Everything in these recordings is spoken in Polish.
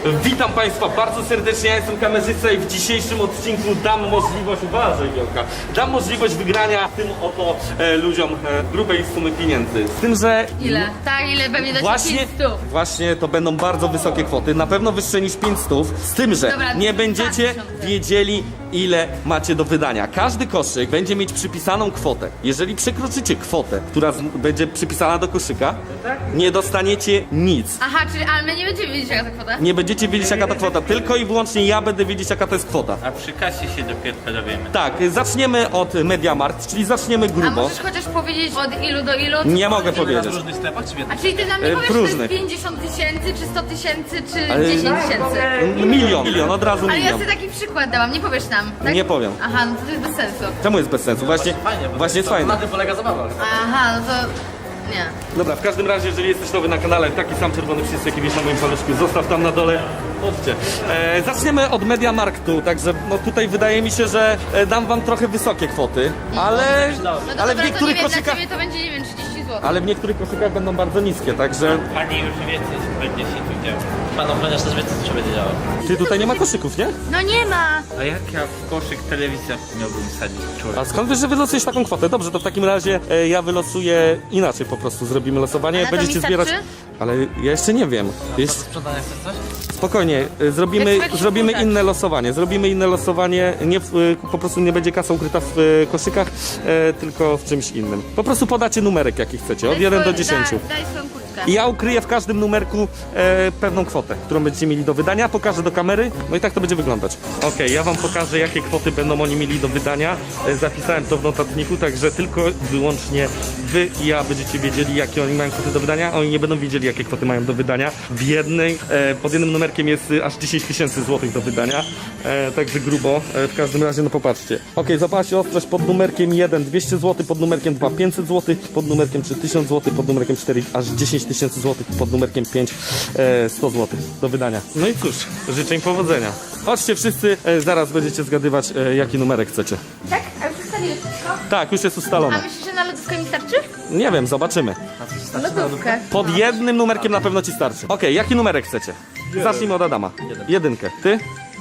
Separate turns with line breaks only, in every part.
Witam Państwa bardzo serdecznie, ja jestem kamerzysta i w dzisiejszym odcinku dam możliwość, uważaj Wielka, dam możliwość wygrania tym oto ludziom grubej sumy pieniędzy. Z tym, że...
Ile? Tak, ile pewnie do 500.
Właśnie to będą bardzo wysokie kwoty, na pewno wyższe niż 500, z tym, że
Dobra,
nie będziecie
2000.
wiedzieli ile macie do wydania. Każdy koszyk będzie mieć przypisaną kwotę. Jeżeli przekroczycie kwotę, która będzie przypisana do koszyka, nie dostaniecie nic.
Aha, czyli, ale my nie będziemy wiedzieć jaka to kwota.
Nie będziecie wiedzieć jaka to kwota, tylko i wyłącznie ja będę wiedzieć jaka to jest kwota.
A przy kasie się dopiero dowiemy.
Tak, zaczniemy od MediaMarkt, czyli zaczniemy
A
grubo.
możesz chociaż powiedzieć od ilu do ilu?
Nie mogę
W
powiedzieć.
różnych sklepach czy w jednym?
A czyli ty nam nie
W
powiesz, że to
różnych.
jest 50 tysięcy, czy 100 tysięcy, czy
Ale-
10 tysięcy?
Milion, od razu
Ale ja
milion.
sobie taki przykład dałam, nie powiesz nam, tak?
Nie powiem.
Aha, no to jest bez sensu.
Czemu jest bez sensu? Właśnie jest fajne.
Na tym polega zabawa.
Aha, no to... Nie.
Dobra, w każdym razie, jeżeli jesteś nowy na kanale, taki sam czerwony przycisk, jaki wiesz na moim paluszku, zostaw tam na dole. Chodźcie. Zaczniemy od MediaMarktu, także no tutaj wydaje mi się, że dam wam trochę wysokie kwoty, ale,
No to
ale
dobra,
w
to nie
niektórych
wiem, dla
koszykach,
ciebie to będzie, nie wiem, 30 zł.
ale w niektórych koszykach będą bardzo niskie, także
Pani już wie, co będzie się tu działo. Pan ochroniarz też wie, co się będzie działo.
ty tutaj nie ma koszyków, nie?
No nie ma!
A jak ja w koszyk telewizja miałbym sadzić człowiek?
A skąd wiesz, że wylosujesz taką kwotę? Dobrze, to w takim razie ja wylosuję inaczej po prostu, zrobimy losowanie,
A na to
będziecie
mi starczy?
zbierać... Ale ja jeszcze nie wiem.
Do sprzedania chcesz coś?
Spokojnie,
Jak
zrobimy
sobie jakiś
inne losowanie. Zrobimy inne losowanie, nie po prostu nie będzie kasa ukryta w koszykach, tylko w czymś innym. Po prostu podacie numerek jaki chcecie, od 1 do 10.
Daj swoją kurtkę.
I ja ukryję w każdym numerku pewną kwotę, którą będziecie mieli do wydania, pokażę do kamery, no i tak to będzie wyglądać. Okej, ja wam pokażę jakie kwoty będą oni mieli do wydania. Zapisałem to w notatniku, także tylko wyłącznie wy i ja będziecie wiedzieli jakie oni mają kwoty do wydania, a oni nie będą wiedzieli jakie kwoty mają do wydania. W jednej, pod jednym numerkiem jest aż 10 tysięcy złotych do wydania, także grubo. W każdym razie no popatrzcie. Okej, zobaczcie ostrość pod numerkiem 1 200 zł, pod numerkiem 2 500 zł, pod numerkiem 3 1000 zł, pod numerkiem 4 aż 10 tysięcy złotych, pod numerkiem 5 100 zł do wydania. No i cóż, życzę im powodzenia. Chodźcie wszyscy, zaraz będziecie zgadywać jaki numerek chcecie.
Tak? A już ustaliłeś wszystko?
Tak, już jest
A
ustalone.
myślisz, że na lodówkę mi starczy?
Nie wiem, zobaczymy.
Lodówkę.
Pod jednym numerkiem na pewno ci starczy. Okej, jaki numerek chcecie? Zacznijmy od Adama. Jedynkę. Ty?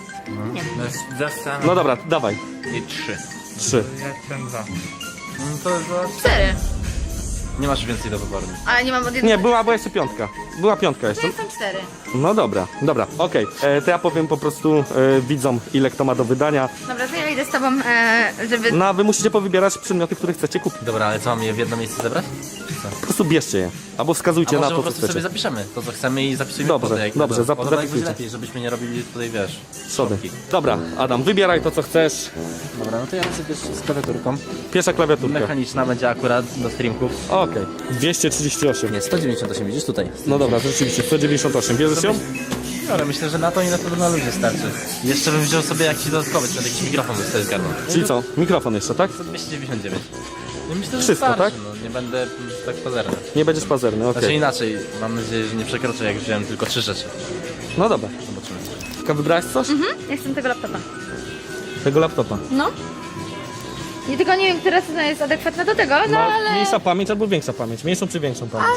No dobra, dawaj.
I 3.
3.
Ja ten 2. No to za...
4.
Nie masz więcej do wyboru.
Ale nie mam od jednego.
Nie, była jeszcze piątka. Była piątka jeszcze.
To są 4.
No dobra, okej. To ja powiem po prostu widzom, ile kto ma do wydania.
Dobra, to ja idę z tobą, żeby...
No a wy musicie powybierać przedmioty, które chcecie kupić.
Dobra, ale co, mam je w jedno miejsce zebrać?
Po prostu bierzcie je. Albo
A
wskazujcie
może
na
po
to, co
prostu sobie
chcecie.
zapiszemy to, co chcemy i zapisujemy
Dobrze,
kwotę, jak
dobrze,
będą. Bo to tak
zapisujcie.
będzie lepiej, żebyśmy nie robili tutaj, wiesz,
Szody.
szopki.
Dobra, Adam, wybieraj to, co chcesz.
Dobra, no to ja sobie z klawiaturką.
Pierwsza klawiaturka.
Mechaniczna będzie akurat do streamków.
Okej. 238.
Nie, 198, widzisz tutaj.
No dobra, rzeczywiście, 198. Bierzesz ją?
Ale myślę, że na to i na to na ludzie starczy. Jeszcze bym wziął sobie jakiś dodatkowy, czy jakiś mikrofon bym sobie zgarnął.
Czyli co? Mikrofon jeszcze, tak?
299. No myślę, że
Wszystko,
starczy,
tak?
No, nie będę tak pazerny.
Nie będziesz pazerny, okej.
Znaczy inaczej, mam nadzieję, że nie przekroczę, jak wziąłem tylko 3 rzeczy.
No dobra.
Zobaczymy.
Tylko wybrałaś coś?
Ja chcę tego laptopa.
Tego laptopa.
No. I tylko nie wiem, która cena jest adekwatna do tego, no ale...
Mniejsza pamięć albo większa pamięć? Mniejszą czy większą pamięć?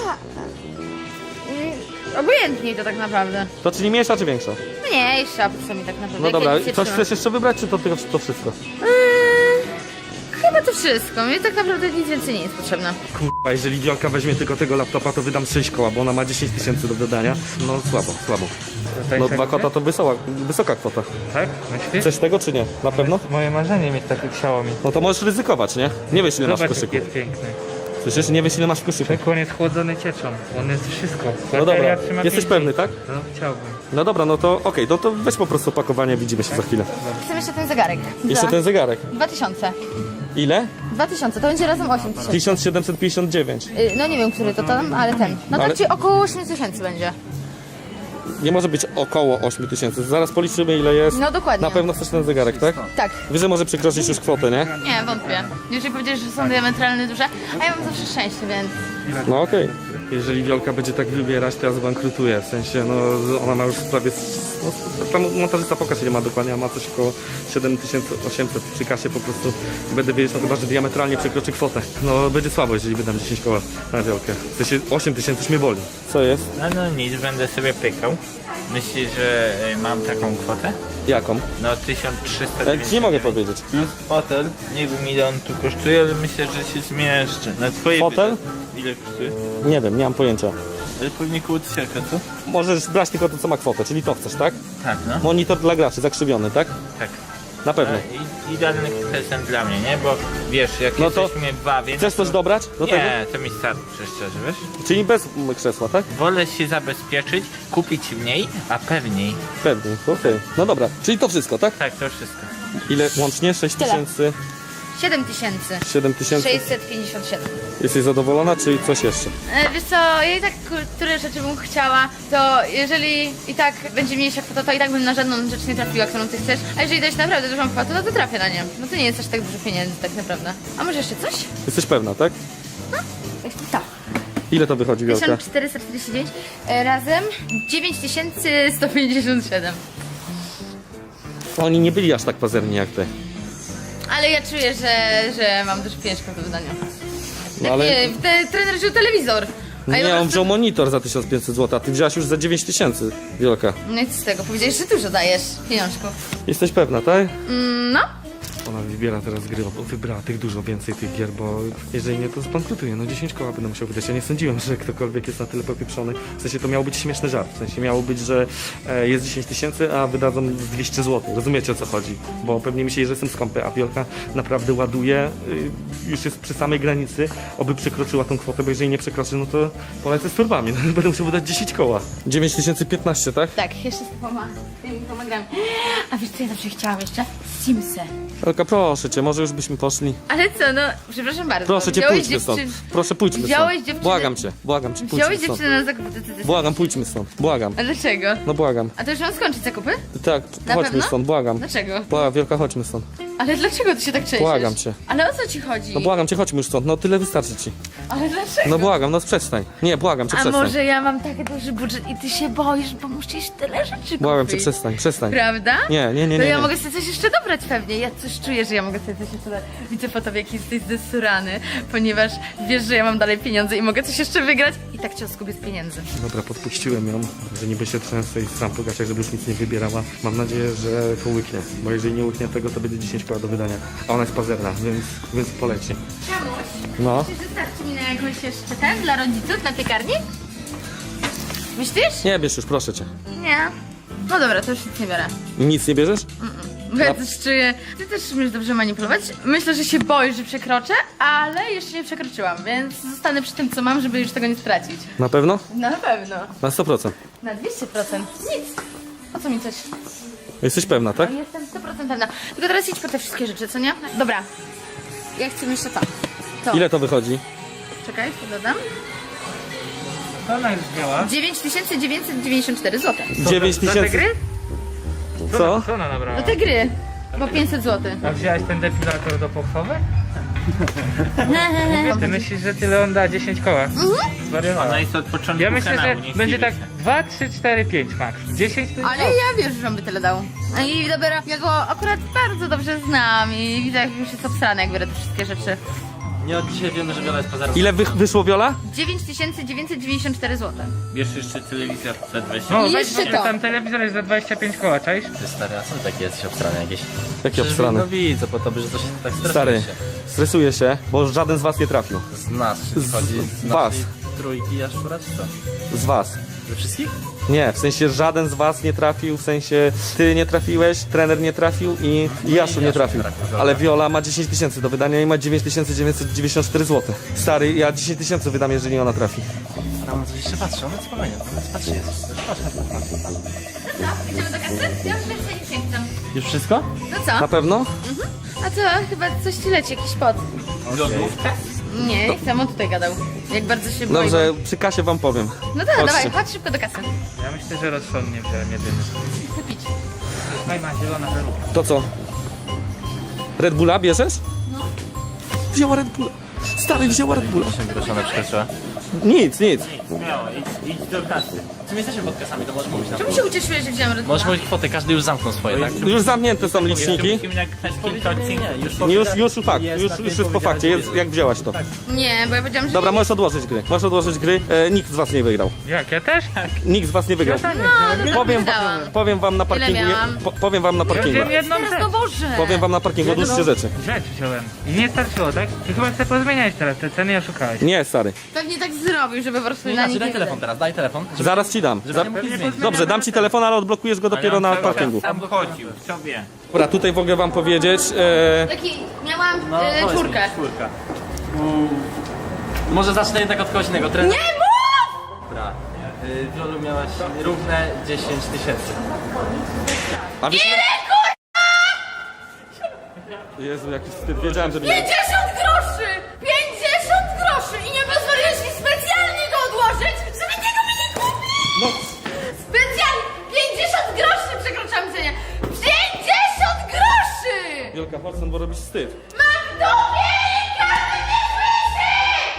Obojętnie to tak naprawdę.
To czyli mniejsza czy większa?
Mniejsza po co mi tak naprawdę.
No
jak
dobra,
ja nic nie
coś
trzymam.
chcesz jeszcze wybrać, czy to wszystko?
Chyba to wszystko. Mi tak naprawdę nic więcej nie jest potrzebne.
Kurwa, jeżeli Wiolka weźmie tylko tego laptopa, to wydam 6 koła, bo ona ma 10 tysięcy do wydania. No słabo. No 2 kota to wysoka kwota.
Tak? Myślisz?
Chcesz tego czy nie? Na pewno?
Moje marzenie mieć takie Xiaomi.
No to możesz ryzykować, nie? Nie wiesz ile masz w
Zobacz
koszyku.
jaki jest piękny.
Słyszysz? Nie wiesz ile masz w koszyku.
Ten koniec chłodzony cieczą. On jest wszystko.
No
Bateria
dobra,
trzyma
jesteś
5
pewny,
dni.
tak?
No chciałbym.
No dobra, no to okej, no to weź po prostu opakowanie, widzimy się za chwilę.
Chcę jeszcze ten zegarek.
Jeszcze ten zegarek.
2000.
Ile?
2000, to będzie razem 8000.
1759.
No nie wiem, który to tam, ale ten. No to
Ale-
ci około 8000 będzie.
Nie może być około 8 tysięcy. Zaraz policzymy ile jest.
No dokładnie.
Na pewno chcesz ten zegarek, tak?
Tak.
Wiesz, że może przekroczyć już kwotę, nie?
Nie, wątpię. Jeżeli powiedziesz, że są diametralnie duże, a ja mam zawsze szczęście, więc...
No okej. Jeżeli Wiolka będzie tak wybierać, to ja zbankrutuję. W sensie, no ona ma już prawie... No, tam montażysta pokaż ile ma dokładnie, a ma coś około 7800 przy kasie po prostu. Będę wiedzieć, no chyba, że diametralnie przekroczy kwotę. No będzie słabo, jeżeli wydam 10 koła na Wiolkę. W sensie 8000 już mnie boli. Co jest?
No nic, będę sobie pykał.
Myślisz, że mam taką kwotę?
Jaką?
No 1300.
Ci nie mogę powiedzieć.
Plus fotel, nie wiem ile on tu kosztuje, ale myślę, że się zmieszczę. Na twoje
Fotel?
Ile kosztuje?
Nie wiem, nie mam pojęcia.
Ale pewnie koło 1000, co?
Możesz brać tylko to, co ma kwotę, czyli to chcesz, tak?
Tak, no.
Monitor dla graczy, zakrzywiony, tak?
Tak.
Na pewno.
Idealny prezent dla mnie, nie? Bo wiesz, jak
No to
jesteśmy dwa, więc...
Chcesz coś dobrać do tego?
Nie, to mi starczy, szczerze, wiesz?
Czyli bez krzesła, tak?
Wolę się zabezpieczyć, kupić mniej, a pewniej.
Pewnie, okej. No dobra, czyli to wszystko, tak?
Tak, to wszystko.
Ile łącznie? 6 tysięcy,
7000.
7 tysięcy?
657.
Jesteś zadowolona, czy coś jeszcze?
Wiesz co, ja i tak które rzeczy bym chciała, to jeżeli i tak będzie mniejsza kwota, to i tak bym na żadną rzecz nie trafiła, którą ty chcesz. A jeżeli dać naprawdę dużą kwotę, no to trafię na nie. No to nie jest aż tak dużo pieniędzy tak naprawdę. A może jeszcze coś?
Jesteś pewna, tak?
Tak.
Ile to wychodzi, Wielka?
1449 razem 9157.
Oni nie byli aż tak pazerni jak ty.
Ale ja czuję, że mam dużo pieniężków do wydania.
No ale...
Nie, trener wziął telewizor. A ja
Nie,
po
on
prostu-
wziął monitor za 1500 zł, a ty wziąłaś już za 9000, Wielka.
No i co z tego? Powiedziałeś, że dużo dajesz pieniążków.
Jesteś pewna, tak?
No.
Ona wybiera teraz gry, bo wybrała tych dużo więcej tych gier, bo jeżeli nie, to zbankrutuje. No 10 koła będę musiał wydać. Ja nie sądziłem, że ktokolwiek jest na tyle popieprzony. W sensie to miał być śmieszny żart. W sensie miało być, że jest 10 tysięcy, a wydadzą z 200 zł. Rozumiecie, o co chodzi? Bo pewnie myśleli, że jestem skąpy, a Wielka naprawdę ładuje. Już jest przy samej granicy, oby przekroczyła tą kwotę, bo jeżeli nie przekroczy, no to polecę z torbami. No, będę musiał wydać 10 koła. 9015, tak?
Tak, jeszcze z tymi pomagami. A wiesz co ja zawsze chciałam jeszcze? Simsy.
Wielka, proszę cię, może już byśmy poszli.
Ale co, no, przepraszam bardzo.
Proszę cię,
Wziąłeś
pójdźmy stąd.
dziewczyn-
Proszę, pójdźmy
Wziąłeś
stąd.
dziewczynę-
Błagam cię, pójdźmy
Wziąłeś
stąd.
dziewczynę na zakupy, ty.
Błagam, pójdźmy stąd. Błagam.
A dlaczego?
No błagam.
A to już mam skończyć zakupy?
Tak,
Na
chodźmy
pewno?
stąd, błagam.
Dlaczego?
Błagam, Wielka, chodźmy stąd.
Ale dlaczego ty się tak trzęsiesz?
Błagam cię.
Ale o co ci chodzi?
No błagam cię, chodźmy już stąd. No tyle wystarczy ci.
Ale dlaczego?
No błagam, no przestań. Nie, błagam cię,
A
przestań.
może ja mam taki duży budżet i ty się boisz, bo musisz tyle rzeczy kupić?
Błagam cię, przestań.
Prawda?
Nie.
To ja
nie.
mogę sobie coś jeszcze dobrać pewnie. Ja coś czuję, że ja mogę sobie coś jeszcze dać. Widzę po tobie, jak jesteś zdesurany, ponieważ wiesz, że ja mam dalej pieniądze i mogę coś jeszcze wygrać i tak cię oskubię z pieniędzy.
Dobra, podpuściłem ją, że niby się trzęsę i sam po gaciach, żeby już nic nie wybierała. Mam nadzieję, że to łyknie, bo jeżeli nie łyknie tego, to będzie 10 koła do wydania. A ona jest pazerna, więc poleci.
Czemuś?
No.
Czy wystarczy mi na jakąś jeszcze ten dla rodziców, na piekarni? Myślisz?
Nie bierz już, proszę cię.
Nie. No dobra, to już nic nie biorę.
Nic nie bierzesz?
Bo ja też czuję... Ty też umiesz dobrze manipulować. Myślę, że się boisz, że przekroczę, ale jeszcze nie przekroczyłam, więc zostanę przy tym, co mam, żeby już tego nie stracić.
Na pewno?
No na pewno.
Na 100%.
Na 200%. Nic. Po co mi coś?
Jesteś pewna, tak?
Jestem 100% pewna. Tylko teraz idź po te wszystkie rzeczy, co nie? Dobra. Ja chcę jeszcze to. To.
Ile to wychodzi?
Czekaj, to dodam.
Co ona już wzięła?
9994 zł.
9
Za te
tysięcy.
gry?
Co?
Co ona nabrała?
No te gry. Bo 500 zł.
A wzięłaś ten depilator do pochwowy? Ty myślisz, że tyle on da 10 koła? Zwariowała.
Ona jest od początku
Ja myślę,
kanału,
że
nie
będzie
chwili
tak
się.
2, 3, 4, 5 max. 10 to jest
Ale ja wiem, że on by tyle dał. No i dobra, ja go akurat bardzo dobrze znam i widzę, jak już jest obsrany, jak biorę te wszystkie rzeczy.
Nie od dzisiaj wiemy, że Wiola jest pozerna.
Ile wyszło, Wiola?
9994 zł.
Bierz jeszcze telewizor za 20.
No,
I
weź
jeszcze
sobie
to.
tam telewizor jest za 25 koła, czaisz?
Ty stary, a co ty taki jesteś obstrany jakieś?
Jaki
Przecież
obstrany?
No widzę po tobie, że to się tak stresuje
Stary,
się.
stresuję się, bo żaden z was nie trafił.
Z nas, czyli chodzi z
was.
naszej trójki aż akurat czy co?
Z was.
Ze wszystkich?
Nie, w sensie żaden z was nie trafił, w sensie ty nie trafiłeś, trener nie trafił i Jaszu nie trafił. Ale Viola ma 10 tysięcy do wydania i ma 9994 zł. Stary, ja 10 tysięcy wydam, jeżeli ona trafi.
Tam coś jeszcze patrzy, ona spokojnie, ona patrzy jest.
Co? Idziemy do kasy? Ja już więcej nie sięgam.
Już wszystko?
No
Na
co?
pewno?
A co? Chyba coś ci leci, jakiś pot.
Lodówkę?
Nie, jak samo tutaj gadał. Jak bardzo się boi.
Dobrze, przy kasie wam powiem.
No to
Chodźcie.
dawaj, chodź szybko do kasy.
Ja myślę, że rozsądnie wziąłem jedyny.
Chcę pić.
Tutaj ma zielona peruka.
To co? Red Bulla bierzesz? No. Wzięła Red Bulla. Stary, wzięła Red Bulla.
8 groszy ona przekroczyła.
Nic.
Śmiało, idź do kasy. Czy my jesteśmy pod kasami, to możesz mówić na
Czemu się ucieszyłeś, że wziąłem Red Bulla?
Możesz mówić kwotę, każdy już zamknął swoje, tak?
Już zamknięte są liczniki. Już fakt, już jest po fakcie, jest, jak wzięłaś to.
Nie, bo ja powiedziałam, że
Dobra, możesz odłożyć gry. Nikt z was nie wygrał.
Jak, ja też?
Nikt z was nie wygrał. Powiem wam na parkingu.
miałam?
Powiem wam na parkingu.
Wziąłem jedną
teraz,
rzecz.
no Boże!
Powiem wam na parkingu, odłóżcie rzeczy.
Rzecz wziąłem. I nie starczyło, tak? I chyba chcę pozmieniać teraz te ceny i oszukałeś.
Nie, stary.
Pewnie tak zrobił, żeby po prostu na
Inaczej,
nich
daj
nie
telefon teraz, daj telefon.
Zaraz ci dam.
Żeby nie mógł nic zmienić.
Dobrze, dam ci telefon, ale odblokujesz go dopiero na parkingu.
Sam chodził, co wie.
Dobra, tutaj mogę wam powiedzieć.
Taki, miałam
powiedz mi,
czwórkę.
Czwórka. Może zacznę jednak od kogoś innego.
Nie mów!
Dobra. Wiolu miałaś równe 10 000.
A wiesz, Jezu, jaki wstyd. Wiedziałem, że
50 groszy! 50 groszy! I nie pozwoliłeś mi specjalnie go odłożyć, żeby tego mi nie kupić!
No,
Specjalnie! 50 groszy przekroczam cenę! 50 groszy!
Wielka Horsen, bo robisz wstyd.
Mam w dupie i każdy mnie słyszy!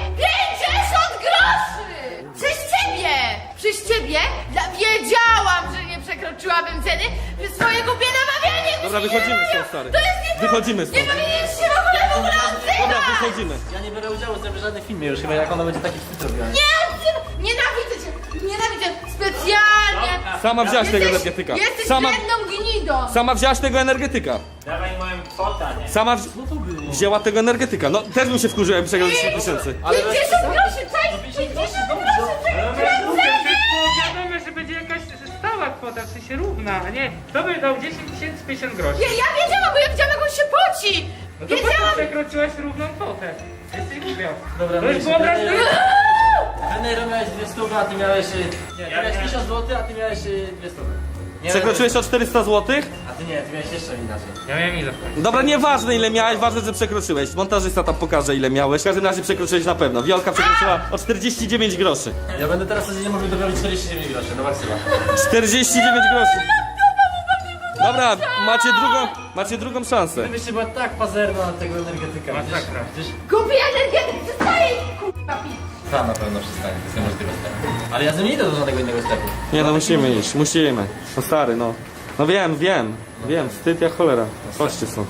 50 groszy! Przez ciebie! Przez ciebie? Wiedziałam, że nie przekroczyłabym ceny przez swoje głupie namawianie!
Dobra, wychodzimy stąd, stary.
To jest nie to!
Wychodzimy
Nie
stąd.
powinieneś się w ogóle odzywać!
Dobra, wychodzimy.
Ja nie biorę udziału w żadnym filmie już, chyba jak ona będzie taki wstyd robiła.
Nie odzywaj! Nienawidzę cię! Nienawidzę! Specjalnie!
Sama wzięłaś tego energetyka.
Jesteś
Sama,
wredną gnidą!
sama wzięłaś tego energetyka.
Dawaj moją kwotę, nie?
Sama wzięła tego energetyka. No, też bym się wkurzył, jakbym przegrał 10 000.
50 groszy! Cześć! 50 groszy!
Wiadomo, że będzie jakaś stała kwota, w sensie równa, a nie. To by dał 10 50 groszy.
Ja wiedziałam, bo ja widziałam, jak on się poci!
No to po co
Wiedziałam!
przekroczyłaś równą kwotę? Jesteś głupia.
Dobra,
To już
myślę,
było obraz
że- Trener miałeś 200, a ty miałeś... Nie, ty miałeś 1000 zł, a ty miałeś 200. Nie,
Przekroczyłeś o 400 zł?
A ty nie, ty miałeś jeszcze inaczej.
Ja miałem ile?
Dobra, nieważne ile miałeś, ważne, że przekroczyłeś. Montażysta tam pokaże ile miałeś. W każdym razie przekroczyłeś na pewno. Wiolka przekroczyła o 49 groszy.
Ja będę teraz codziennie mówił dorobić 49 groszy, no maksyma.
49 groszy. Dobra, macie drugą szansę.
Gdybyście była tak pazerna na tego energetyka.
Masakra.
Przecież
Kupię energetyk! Przestaję! Kurwa, pić!
ta na pewno przestanie, to jest niemożliwe stary. Ale ja z nim nie idę do żadnego innego sklepu.
Nie no, musimy iść, musimy. No stary, no. No wiem, wstyd jak cholera. Chodźcie stąd.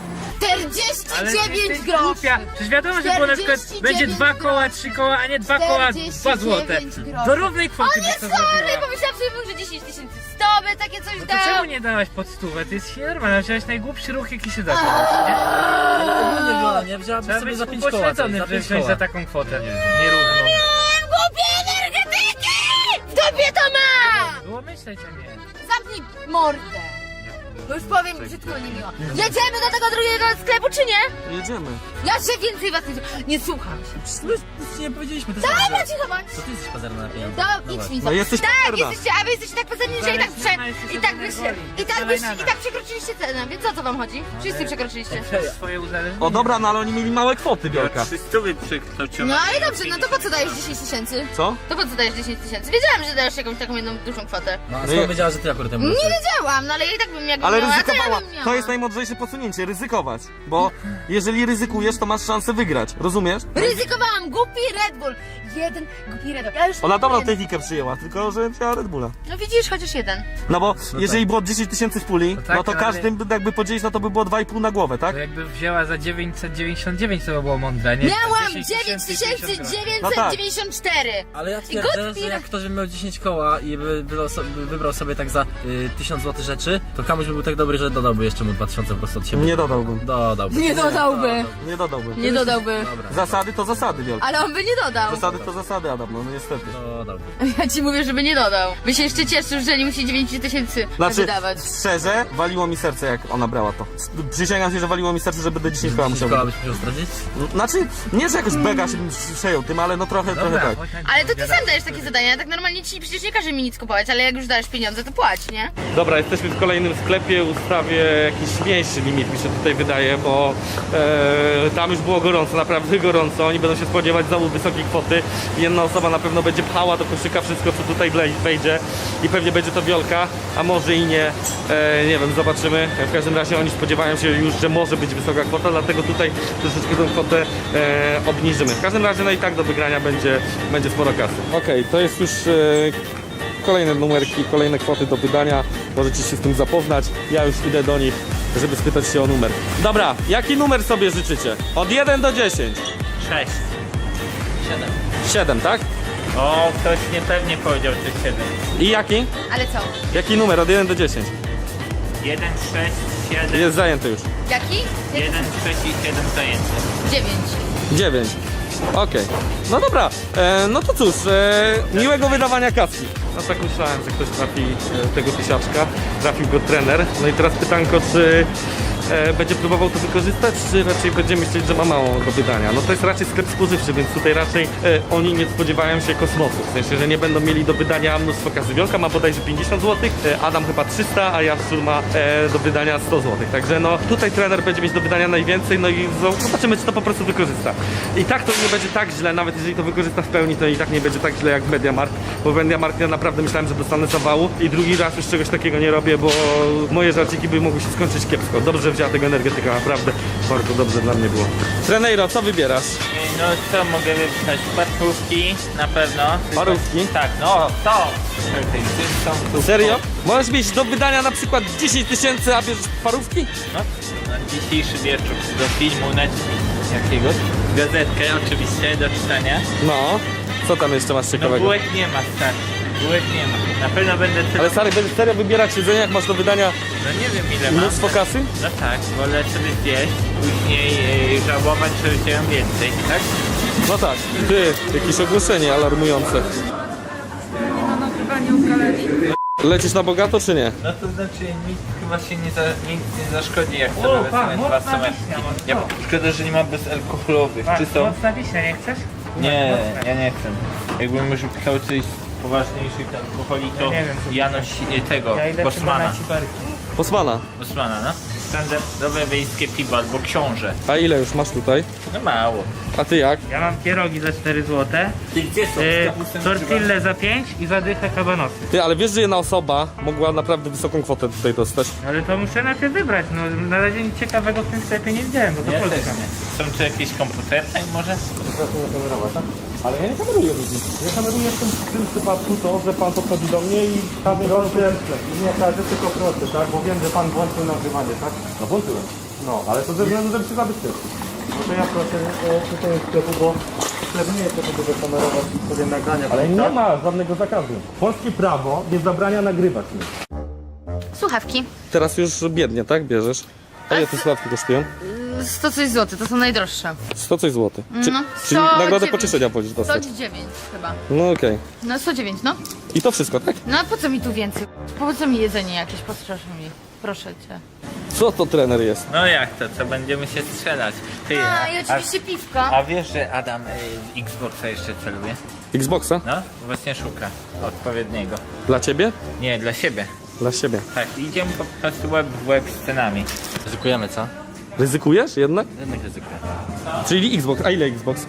49 groszy!
Głupia. Przecież wiadomo, że było na przykład
49
będzie 2 koła, 3 koła, a nie 2 koła, 2 złote.
49 groszy.
Do równej kwoty
On
byś
jest
to
chory!
zrobiła.
Pomyślałam sobie, że 10 100 by takie coś
No to
dał!
czemu nie dałaś pod stówę? To jest normalne, wziąłeś najgłupszy ruch jaki się da. Nie?
Ogólnie Wiola, nie? Wzięłabyś
Trzeba
sobie
być
za 5 koła.
upośledzony,
za
żeby
5
wziąć
koła.
za taką kwotę nierówną.
Głupie energetyki! W dupie to ma!
Było myśleć, a nie.
Zamknij mordę! Bo już powiem brzydko niemiło. Jedziemy do tego drugiego sklepu, czy nie?
Jedziemy.
Ja się więcej was nie słucham się.
Nic nie powiedzieliśmy, to jest
Dobra, cicho bądź!
Co ty jesteś pazerna na pieniądze?
To idź mi
No jesteś
tak,
pazerna.
jesteście, a wy jesteście tak pozorni, że i tak przekroczyliście cenę, więc o co wam chodzi? Wszyscy przekroczyliście.
Swoje uzależnienie.
O dobra, no ale oni mieli małe kwoty, Wiolka.
300 przekroczyłem.
No ale dobrze, no to po co dajesz 10 tysięcy?
Co?
To po co dajesz 10 tysięcy? Wiedziałam, że dajesz jakąś taką jedną dużą kwotę.
No a
No
skąd
ja-
wiedziała, że ty akurat temu
Nie wiedziałam, no ale ja i tak bym jakby
Ale
miała, to ja
ryzykowała.
bym miała.
To jest najmądrzejsze posunięcie, ryzykować. Bo jeżeli ryzykujesz, to masz szansę wygrać. Rozumiesz?
Ryzykowałam, głupi Red Bull. Jeden głupi Red Bull. Ja już
Ona dobrą
jeden.
technikę przyjęła, tylko że wzięła Red Bulla.
No widzisz, chociaż jeden.
No bo jeżeli było 10 000 w puli,
No tak,
no to
ale-
każdym by jakby podzielić, no to by było 2,5 na głowę, tak?
To jakby wzięła za 999, to by było mądre, nie?
Miałam
10
9994.
Ale ja
I
twierdzę, że
Goodyear.
jak ktoś by miał 10 koła i by wybrał sobie tak za 1000 zł rzeczy, to Kamuś by był tak dobry, że dodałby jeszcze mu 2000 po prostu od siebie.
Nie dodałbym.
Dodałby.
Nie dodałby.
Nie dodałbym.
Nie dodałby.
Dobra,
Zasady to zasady, Wiolka.
Ale on by nie dodał.
Zasady to zasady, Adam, no niestety.
dodałby.
Ja ci mówię, żeby nie dodał. By się jeszcze cieszył, że nie musi 9000
Znaczy,
wydawać.
szczerze, waliło mi serce, jak ona brała to. Przysięgam się, że waliło mi serce, żeby do 10 koła
10
musiał
koła
być.
byś musiał stracić?
Znaczy, nie, że jakoś bega się bym przejął tym, ale no trochę tak.
chodź na
Ale to ty
gadaj.
sam dajesz takie zadania, tak normalnie ci przecież nie każe mi nic kupować, ale jak już dajesz pieniądze, to płać, nie?
Dobra, jesteśmy w kolejnym sklepie. lepiej ustawię jakiś mniejszy limit, mi się tutaj wydaje, bo tam już było gorąco, naprawdę gorąco. Oni będą się spodziewać znowu wysokiej kwoty. Jedna osoba na pewno będzie pchała do koszyka wszystko, co tutaj wejdzie i pewnie będzie to Wiolka, a może i nie. Nie wiem, zobaczymy. W każdym razie oni spodziewają się już, że może być wysoka kwota, dlatego tutaj troszeczkę tę kwotę obniżymy. W każdym razie no i tak do wygrania będzie sporo kasy. Okej, to jest już kolejne numerki, kolejne kwoty do wydania. Możecie się z tym zapoznać. Ja już idę do nich, żeby spytać się o numer. Dobra, jaki numer sobie życzycie? Od 1 do 10.
6.
7, tak?
O, ktoś niepewnie powiedział te 7.
I jaki?
Ale co?
Jaki numer od 1 do 10?
1, 6, 7.
Jest zajęty już.
Jaki?
1, 6 i 7 zajęty.
9.
9. Okej. No dobra, no to cóż, miłego wydawania kaski. No tak myślałem, że ktoś trafi tego tysiaczka, trafił go trener. No i teraz pytanko, czy będzie próbował to wykorzystać, czy raczej będzie myśleć, że ma mało do wydania. No to jest raczej sklep spożywczy, więc tutaj raczej oni nie spodziewają się kosmosu. W sensie, że nie będą mieli do wydania mnóstwo kasy. Wiolka ma bodajże 50 zł, Adam chyba 300, a Jaszczur ma do wydania 100 zł. Także no tutaj trener będzie mieć do wydania najwięcej, no i zobaczymy, czy to po prostu wykorzysta. I tak to nie będzie tak źle, nawet jeżeli to wykorzysta w pełni, to i tak nie będzie tak źle jak w MediaMarkt, bo w MediaMarkt ja naprawdę myślałem, że dostanę zawału i drugi raz już czegoś takiego nie robię, bo moje żarciki by mogły się skończyć kiepsko. Dobrze, że wzięła tego energetyka, naprawdę bardzo dobrze dla mnie było. Treneiro, co wybierasz?
No co mogę wypisać? Parówki na pewno.
Parówki?
Tak, no to. Są
Serio? Możesz mieć do wydania na przykład 10 000, a bierzesz parówki?
No, na dzisiejszy wieczór do filmu Netflix jakiegoś. Gazetkę oczywiście do czytania.
No. Co tam jeszcze masz
No
ciekawego?
bułek nie ma, stary. Bułek nie ma. Na pewno będę tylko...
Ale stary, będziesz serio wybierać jedzenie, jak masz do wydania
No nie wiem ile mam.
mnóstwo kasy?
No tak, wolę sobie zjeść, później żałować, że wziąłem więcej, tak?
No tak. Ty, jakieś ogłoszenie alarmujące. Lecisz na bogato, czy nie?
No to znaczy nic chyba się nic nie zaszkodzi, jak
O,
sobie
pan,
wezmę
mocna
2 semestry.
wiśnia, mocno.
Ja szkoda, że nie ma bezalkoholowych. Czy są?
Mocna wiśnia, nie chcesz?
Nie,
Mocna.
ja nie chcę. Jakbym już pisał coś poważniejszych alkoholi, to
Ja nie wiem, co
Janoś tego,
Ja idę chyba
Bosmana.
na ciberki.
Posmana.
Bosmana, no. Standardowe wiejskie piwo albo książę.
A ile już masz tutaj?
No mało.
A ty jak?
Ja mam pierogi za 4 zł,
Ty gdzie są?
tortille za 5 i za dychę kabanosy.
Ty, ale wiesz, że jedna osoba mogła naprawdę wysoką kwotę tutaj dostać.
Ale to muszę najpierw wybrać, no na razie nic ciekawego w tym sklepie nie widziałem, bo to
Ja też
Polska.
nie. Są tu jakieś komputerki może?
Ale ja nie kameruję ludzi. Ja kameruję w tym przypadku to, że pan podchodzi do mnie i każdy
Nie każdy, tylko proszę, tak? Bo wiem, że pan włączył nagrywanie, tak?
No włączyłem.
No, ale to ze względu, żeby się zabezpieczyć. No to ja proszę tutaj sklepu, bo sklep nie jest to, żeby kamerować sobie nagrania.
Ale nie
tak?
ma żadnego zakazu. Polskie prawo nie zabrania nagrywać mnie.
Słuchawki.
Teraz już biednie, tak? Bierzesz. A ile te słuchawki kosztują?
100 coś złotych, to są najdroższe.
100 coś złotych.
No,
Czyli
109.
nagrodę pocieszenia wolisz dostać.
109 chyba.
No okej.
No 109, no.
I to wszystko, tak?
No a po co mi tu więcej? Po co mi jedzenie jakieś? Postraszę mi. Proszę cię.
Co to trener jest?
No jak to, co będziemy się strzelać? Ty,
A i oczywiście piwka.
a wiesz, że Adam w Xboxa jeszcze celuje?
Xboxa?
No, właśnie szuka odpowiedniego.
Dla ciebie?
Nie, dla siebie.
Dla siebie.
Tak, idziemy po prostu łeb w łeb z cenami. Ryzykujemy, co?
Ryzykujesz jednak?
Jednak ryzykujemy.
Czyli Xbox. A ile Xbox?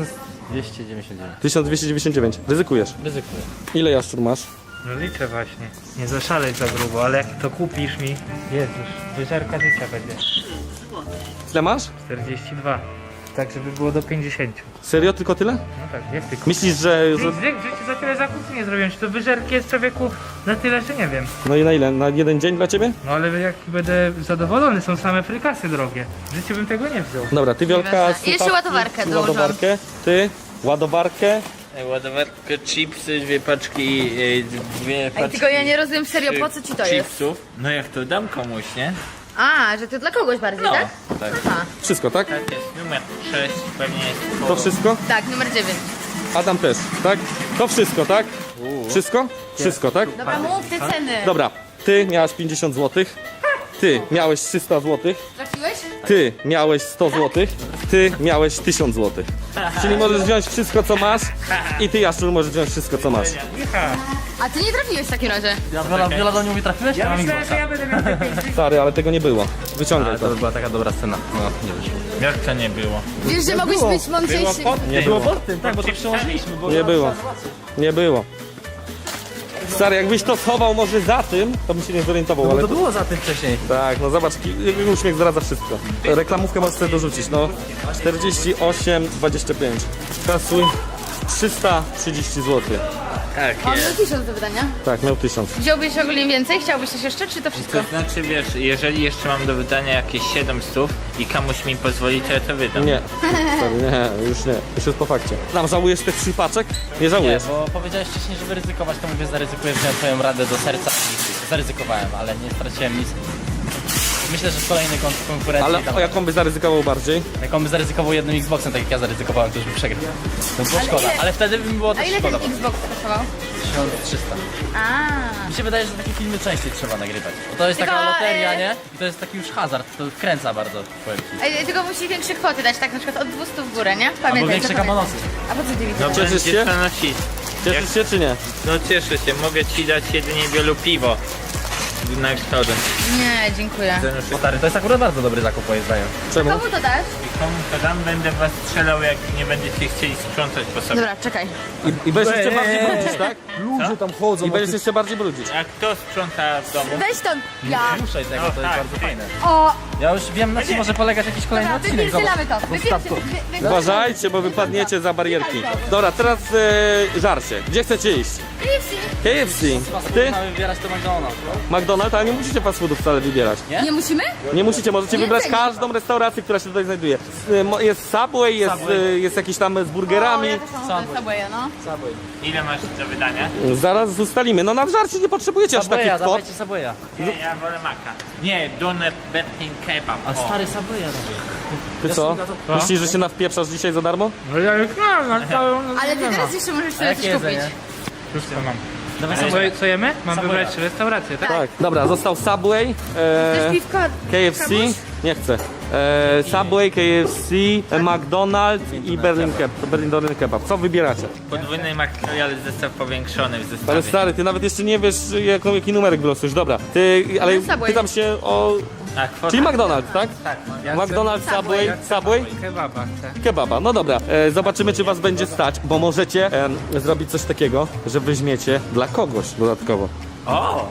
1299.
1299. Ryzykujesz.
Ryzykuję.
Ile jaszczur masz?
No liczę właśnie. Nie zaszalej za grubo, ale jak to kupisz mi, Jezus, wyżerka życia będzie.
Ile masz?
42. Tak, żeby było do 50.
Serio? Tylko tyle?
No tak, jak ty kupisz?
Myślisz, że...
W życiu za tyle zakupów nie zrobiłem. Czy to wyżerki jest człowieku na tyle, że nie wiem.
No i na ile? Na jeden dzień dla ciebie?
No ale jak będę zadowolony, są same frykasy drogie. W życiu bym tego nie wziął.
Dobra, ty Wiolka...
Nieważne.
słuchawki
Jeszcze ładowarkę
i
dołożyłam.
ładowarkę. Ty ładowarkę.
Ładowarkę, chipsy, 2 paczki, 2 paczki.
Ej, tylko ja nie rozumiem serio, po co ci to jest?
chipsów. No jak to dam komuś, nie?
A, że to dla kogoś bardziej,
No,
tak?
tak.
Aha.
Wszystko, tak?
Tak jest, numer 6 pewnie jest.
To wszystko?
Tak, numer 9.
Adam też, tak? To wszystko, tak? Wszystko? Wszystko, tak?
Dobra, mów te ceny.
Dobra, ty miałeś 50 zł. Ty miałeś 300 zł.
Trafiłeś?
Ty miałeś 100 zł. ty miałeś 1000 zł. Czyli możesz wziąć wszystko, co masz i ty, Jaszczur, możesz wziąć wszystko, co masz.
A ty nie trafiłeś w takim razie.
Wiola do mnie mówi, trafiłeś?
Ja
mam
myślałem,
Xboxa.
że ja będę miał te 5
Stary, ale tego nie było. Wyciągaj
Ale
to.
to by była taka dobra scena. No, nie wyszło.
Jak to nie było?
Wiesz, że mogłeś być
Było
mądrzejszy.
pod
Nie
tym.
było.
pod tym, tak, bo to przełożyliśmy. Bo
Nie było. Nie było. Stary, jakbyś to schował może za tym, to bym się nie zorientował,
No
ale...
to było za tym wcześniej.
Tak, no zobacz, jego uśmiech zdradza wszystko. Reklamówkę możesz sobie dorzucić, no. 48,25. Kasuj 330 zł.
Tak
On
jest.
miał 1000 do wydania.
Tak, miał 1000.
Wziąłbyś ogólnie więcej? Chciałbyś coś jeszcze, czy to wszystko?
To znaczy, wiesz, jeżeli jeszcze mam do wydania jakieś 700 i komuś mi pozwoli, to ja to wydam.
Nie, stary, nie, już nie. Już jest po fakcie. Tam żałujesz tych 3 paczek? Nie
Nie,
żałujesz.
bo powiedziałeś wcześniej, żeby ryzykować, to mówię, zaryzykuję, wziąłem twoją radę do serca i zaryzykowałem, ale nie straciłem nic. Myślę, że w kolejnej konkurencji
Ale
tam,
o jaką by zaryzykował bardziej?
jak on by zaryzykował jednym Xboxem, tak jak ja zaryzykowałem, to już by przegrał. To było
Ale
szkoda,
ile-
ale wtedy by mi było
A
też
ile ten
szkoda.
Xbox kosztował?
1300.
A.
Mi się wydaje, że takie filmy częściej trzeba nagrywać. Bo to jest
Tylko,
taka loteria, nie? I to jest taki już hazard, to wkręca bardzo, powiem ci.
Tylko musi większe kwoty dać, tak na przykład od 200 w górę, nie?
Albo
Pamiętaj,
większe
to pamiętaj.
kabanosy.
A po co ty mi
No
to
Cieszysz
będzie
się?
co nosić.
Cieszysz się czy nie?
No cieszę się, mogę ci dać jedynie wielu piwo. Na eksporze.
Nie, dziękuję.
O, stary, to jest akurat bardzo dobry zakup, moim zdaniem.
Czemu?
Komu to dasz?
I komu to dam, będę was strzelał, jak nie będziecie chcieli sprzątać po sobie.
Dobra, czekaj.
I będziesz jeszcze bardziej brudzić, tak?
Ludzie tam chodzą.
I będziesz jeszcze bardziej brudzić.
A kto sprząta w domu?
Weź to. Ja.
Ruszaj tego,
No
to jest
tak,
bardzo
ty.
fajne.
O,
Ja już wiem, na czym może polegać jakiś kolejny
dobra,
odcinek.
wypierdzielamy to.
Zostaw to.
Uważajcie, bo wypadniecie za barierki. Dobra, teraz żarcie. Gdzie chcecie iść? KFC. Ty?
Mamy wybierać to McDonald's.
McDonald's, ale nie musicie fast foodów wcale wybierać.
Nie musimy?
Nie musicie, możecie
Nie
wybrać
cenię.
każdą restaurację, która się tutaj znajduje. Jest Subway, jest jakiś tam z burgerami.
O, ja też mam Subwaya, no.
Ile masz do wydania?
Zaraz ustalimy. No na żarcie nie potrzebujecie aż takich
Subwaya,
kwot.
dawajcie Subwaya.
Nie, ja wolę maka. Nie, doner Berlin kebab.
A
O.
stary Subwaya robię.
Ty co? Myślisz, że się nawpieprzasz dzisiaj za darmo?
No ja już mam, na całą...
Ale ty teraz jeszcze możesz
A
sobie
jakie
coś kupić.
jedzenie?
Wszystko mam.
Dawaj
Co,
Subwaya.
co jemy? Mam
Subwaya.
wybrać restaurację, tak?
Tak. Dobra, został Subway,
Chcesz piwko?
KFC, nie chcę. Subway, KFC, McDonald's i Berlin Doner Kebab. Co wybieracie?
Podwójny McRoyal zestaw powiększony w zestawie.
Ale stary, ty nawet jeszcze nie wiesz jaki numerek wylosujesz. Dobra, ty, ale
Subway.
pytam się o...
A kwota?
Czyli McDonald's, tak?
Tak.
McDonald's, Subway
Kebaba chcę.
i kebaba. No dobra, zobaczymy czy was będzie stać, bo możecie zrobić coś takiego, że weźmiecie dla kogoś dodatkowo.
O!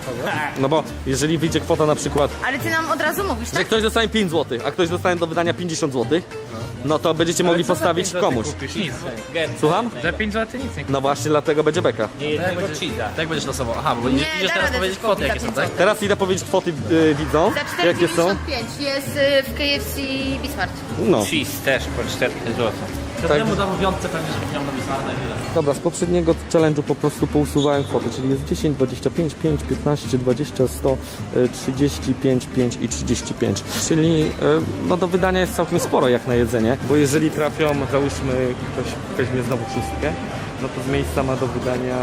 No bo jeżeli wyjdzie kwota na przykład,
Ale ty nam od razu mówisz,
że
tak?
ktoś dostanie 5 zł, a ktoś dostanie do wydania 50 zł, no to będziecie mogli postawić komuś.
Nic.
Słucham?
Za 5 zł nic nie kupię.
No właśnie dlatego będzie beka.
Nie jednego cheesa.
Tak będziesz losował. Aha, bo
Nie,
idziesz
da
teraz
radę
powiedzieć
coś
kwoty
kupić
jakie
za
są,
5
tak?
zł.
Teraz idę powiedzieć kwoty widzom,
Za
jakie są.
4,95 jest w KFC Bismart.
No,
Cheese też po 4 zł.
To temu dam w piątce pewnie, żeby miał na Bismarna i tyle.
dobra, z poprzedniego challenge'u po prostu pousuwałem kwoty, czyli jest 10, 25, 5, 15, 20, 100, 35, 5 i 35. Czyli no do wydania jest całkiem sporo jak na jedzenie, bo jeżeli trafią, załóżmy, ktoś weźmie znowu szóstkę, no to z miejsca ma do wydania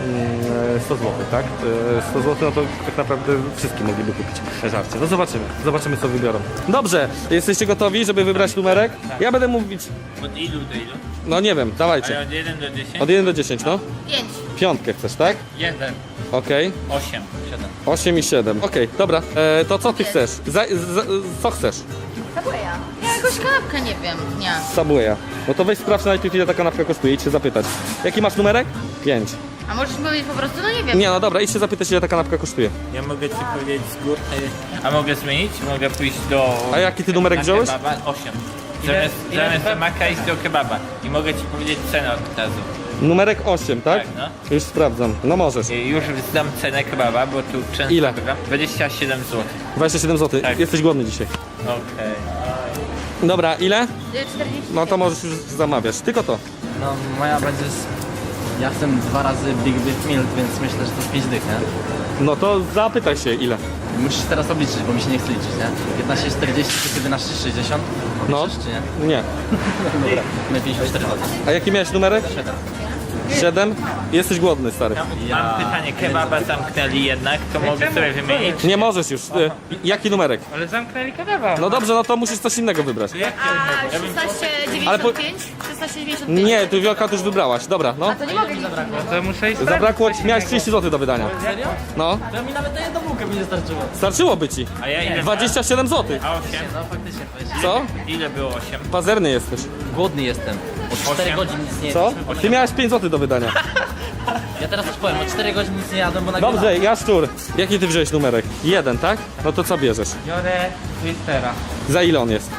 100 zł, tak? 100 zł, no to tak naprawdę wszyscy mogliby kupić żarcie. No zobaczymy co wybiorą. Dobrze, jesteście gotowi, żeby wybrać numerek? Ja będę mówić,
Od ilu do ilu?
no nie wiem, dawajcie.
Ale od 1 do 10?
Od 1 do 10, no.
5.
Piątkę chcesz, tak?
1,
Okej.
8, 7.
8 i 7. Okej, dobra. To co ty chcesz? Co chcesz?
Subwaya. Ja jakąś kanapkę nie wiem, nie.
Subwaya. No to weź sprawdź najpierw ile ta kanapka kosztuje, idź się zapytać. Jaki masz numerek? 5.
A możesz mi powiedzieć po prostu, no nie wiem.
Nie, no dobra, idź się zapytać ile ta kanapka kosztuje.
Ja mogę ci powiedzieć z góry. A mogę zmienić? Mogę pójść do...
A jaki ty numerek
na
wziąłeś?
Kebaba? 8.
Ile
Zamiast do maka iść do kebaba. I mogę ci powiedzieć cenę od razu.
Numerek 8, tak?
Tak, no.
Już sprawdzam. No możesz.
I już zdam cenę kebaba, bo tu często
Ile?
bywam. 27 zł.
27 zł.
Tak.
Jesteś głodny dzisiaj.
Okej.
Dobra, ile?
40.
No to możesz już zamawiać. Tylko to.
No moja będzie z... Ja chcę 2 razy Big Meal, więc myślę, że to z 5 dych, nie?
No to zapytaj się ile.
Musisz teraz obliczyć, bo mi się nie chce liczyć, nie? 15,40 czy 11,60?
No.
Obliczysz, czy nie?
Nie.
Dobra, my 54 zł.
A jaki miałeś numerek?
7.
7? Jesteś głodny, stary.
Mam pytanie, kebaba zamknęli jednak, to mogę sobie wymienić?
Nie możesz już. Jaki numerek?
Ale zamknęli kebaba.
No dobrze, no to musisz coś innego wybrać.
A 16,95?
Ale po-
16,95.
Nie, tu Wiolka to już wybrałaś. Dobra, no.
A to nie mogę liczyć.
To muszę iść
Zabrakło, miałeś 30 zł do wydania.
Serio?
No,
To mi nawet na jedną bułkę mi nie starczyło.
starczyłoby ci.
A ja ile
27 zł.
A 8?
No faktycznie, weź.
Co?
Ile było 8?
Pazerny jesteś.
Głodny jestem. Od 4 godzin nic nie
Co?
jadłem.
Ty miałeś 5 zł do wydania.
Ja teraz coś powiem, od 4 godzin nic nie jadłem, bo nagrywam.
Dobrze, Jaszczur. Jaki ty wziąłeś numerek? 1, tak? No to co bierzesz?
Biorę Twistera.
Za ile on jest?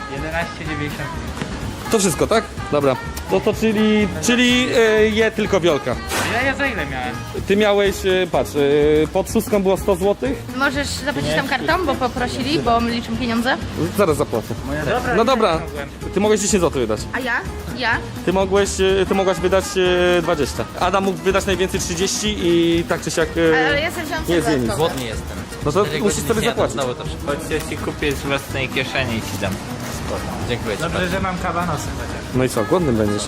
11,90.
To wszystko, tak? Dobra. No to czyli je tylko Wiolka.
Ja za ile miałem?
Ty miałeś, patrz, pod szóstką było 100 zł?
Możesz zapłacić tam kartą, bo poprosili, bo my liczymy pieniądze.
Zaraz zapłacę.
Dobra,
No dobra,
mogłem.
ty mogłeś 10 zł wydać.
A ja? Ja?
Ty mogłaś wydać 20. Adam mógł wydać najwięcej 30 i tak czy siak...
Ale ja sobie wziąłam
Nie zjem nic.
dodatkowo.
Głodny jestem.
No to
4
musisz
godzin
sobie
nic nie jadłem,
zapłacić.
znowu to przychodzi.
Chodź, ja ci kupię z własnej kieszeni i ci dam.
Dziękuję ci
Dobrze,
bardzo.
że mam kabanosy chociaż.
No i co, głodny będziesz?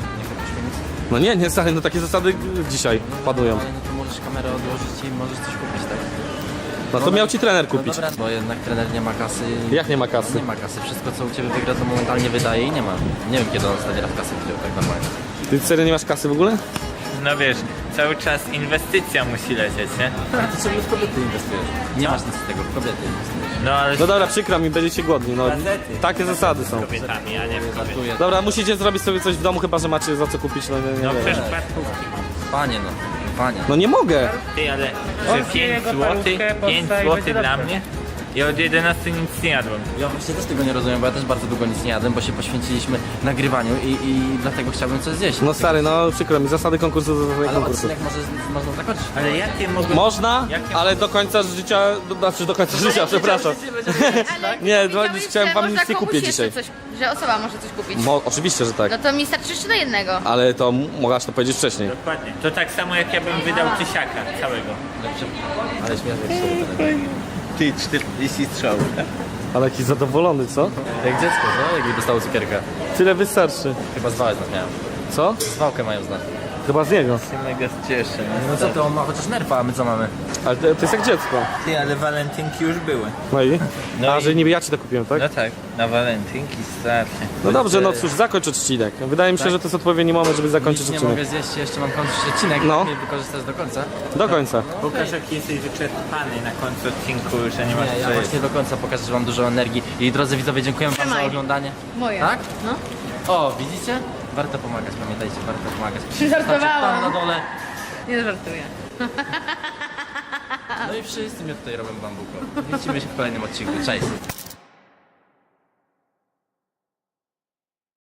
No nie, stary, no takie zasady dzisiaj panują.
Ale no to możesz kamerę odłożyć i możesz coś kupić, tak?
No to miał ci trener
No
kupić.
dobra, bo jednak trener nie ma kasy.
Jak nie ma kasy?
Nie ma kasy. Wszystko co u ciebie wygra to momentalnie wydaje i nie ma. Nie wiem kiedy on ostatni raz kasę wziął tak normalnie.
Ty serio nie masz kasy w ogóle?
No wiesz, cały czas inwestycja musi lecieć, nie?
Ale ty sobie w kobiety inwestujesz. Nie masz nic z tego, w kobiety inwestujesz.
No ale
No dobra, przykro mi, będziecie głodni, no. Takie zasady są.
z kobietami, a nie w kobietami.
Żartuję.
Dobra, musicie zrobić sobie coś w domu, chyba że macie za co kupić, no nie
No
wiem.
przecież płatówki.
Panie no, panie.
No nie mogę.
Ty, ale
On
że
zje
5
jego
zł,
parówkę,
5
postawi,
zł
będzie
dla
dobrze.
mnie? Ja od 11 nic nie jadłem.
Ja właśnie też tego nie rozumiem, bo ja też bardzo długo nic nie jadłem, bo się poświęciliśmy nagrywaniu i dlatego chciałbym coś zjeść.
No stary, no przykro mi, zasady konkursu, zasady
Ale
konkursu.
odcinek można zakończyć.
Ale jakie mogą...
Można, ale do końca życia, znaczy do końca życia, przepraszam.
Ale
Nie,
wiedziałeś,
chciałem
że
wam
można
nic nie
komuś
kupię
jeszcze
dzisiaj.
Coś, że osoba może coś kupić.
Oczywiście, że tak.
No to mi starczy jeszcze na jednego.
Ale to mogłaś to powiedzieć wcześniej.
Dokładnie. To tak samo jak ja bym wydał tysiaka całego.
Ale śmiesznie się
Ty 40 strzałów.
Ale jakiś zadowolony, co?
Jak dziecko, no? Jakby dostało cukierka.
Tyle wystarczy.
Chyba zwałę z nas miałem.
Co?
Zwałkę mają z nas.
Chyba z niego.
Się mega cieszę.
No co ty, on ma chociaż nerfa, a my co mamy?
Ale to jest jak dziecko.
Ty, ale walentynki już były.
No i?
No
A,
i-
że niby ja ci to kupiłem, tak?
No tak, na walentynki starczy.
No dobrze, no cóż, zakończ odcinek. Wydaje mi się, że to jest odpowiedni moment, żeby zakończyć
Nic nie
odcinek.
mogę zjeść, jeszcze mam kończyć odcinek,
No.
no. wykorzystać do końca.
Do końca.
Pokaż jaki jesteś wyczerpany na końcu odcinku, że nie masz
Nie, ja
co jeść.
właśnie do końca pokażę, że mam dużo energii. I drodzy widzowie, dziękuję wam za
Trzymaj.
oglądanie.
Moje.
Tak?
No.
O, widzicie? Warto pomagać, pamiętajcie, warto pomagać.
Żartowałam.
Tam na dole.
Nie żartuję.
No i wszyscy mnie tutaj robią bambuko. Widzimy się w kolejnym odcinku. Cześć.